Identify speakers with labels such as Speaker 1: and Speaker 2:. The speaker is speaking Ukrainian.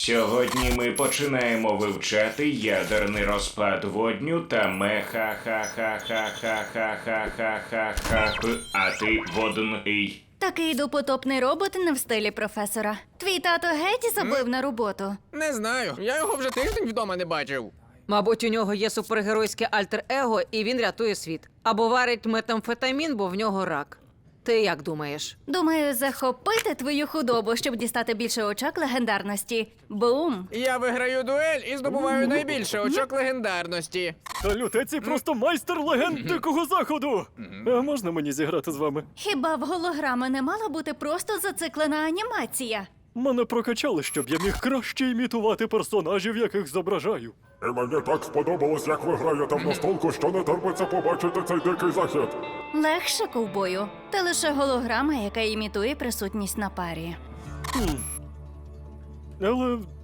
Speaker 1: Сьогодні ми починаємо вивчати ядерний розпад водню та меха-ха-ха-ха-ха-ха-ха-ха-ха-ха-ха. А ти водний.
Speaker 2: Такий допотопний робот не в стилі професора. Твій тато геть забив на роботу.
Speaker 3: Не знаю, я його вже тиждень вдома не бачив.
Speaker 4: Мабуть, у нього є супергеройське альтер-его, і він рятує світ. Або варить метамфетамін, бо в нього рак. Ти як думаєш?
Speaker 2: Думаю, захопити твою худобу, щоб дістати більше очок легендарності. Бум!
Speaker 3: Я виграю дуель і здобуваю найбільше очок легендарності.
Speaker 5: Та лютеці просто майстер легенд Дикого Заходу! А можна мені зіграти з вами?
Speaker 2: Хіба в голограми не мала бути просто зациклена анімація?
Speaker 5: Мене прокачали, щоб я міг краще імітувати персонажів, яких зображаю.
Speaker 6: І мені так сподобалось, як ви граєте в настолку, що не терпиться побачити цей дикий захід.
Speaker 2: Легше, ковбою. Та лише голограма, яка імітує присутність на парі.
Speaker 5: Але